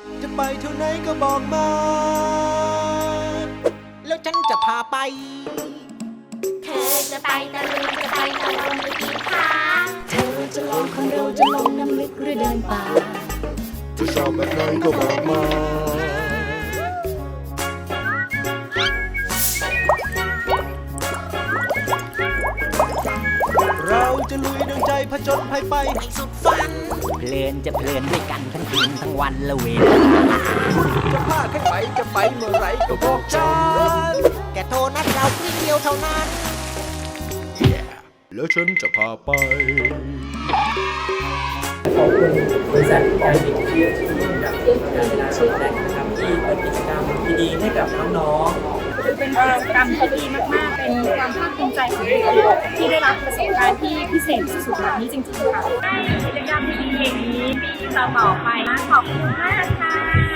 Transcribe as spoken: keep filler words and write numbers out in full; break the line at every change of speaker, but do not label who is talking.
จะไปเท่าไหนก็บอกมา แล้วฉันจะพาไป
เธอจะไปตะลุยจะไปตะลงไปกินข้าเธอจะลองของเราจะลงน้ำลึกหรือเดินป่า
จะชอบแบบไหนก็บอกมา เราจะลุยดังใจผจญภัยไปให้สุดฝัน
เพลินจะเพลินด้วยกันทั้งคืนทั้งวันละเวล
จะพาใครไปจะไปเมื่อไรก็บอกฉัน แกโทรนัดเราเพียงเดียวเท่านั้น yeah. แล้วฉันจะพาไป
ขอบคุณบริษัทการบินที่กับการนาชนแดกนะครับที่เปิดกิจกรรมดีๆให้กับน้องๆ
เป็นกิจกรรมที่ดีมากๆ เป็นความภาคภูมิใจของเราที่ได้รับประสบการณ์ที่พิเศษสุดๆแบบนี้จริงๆค่ะให้กิจกรรมดีๆอย่างนี้ปีต่อๆไปนะขอบคุณมากค่ะ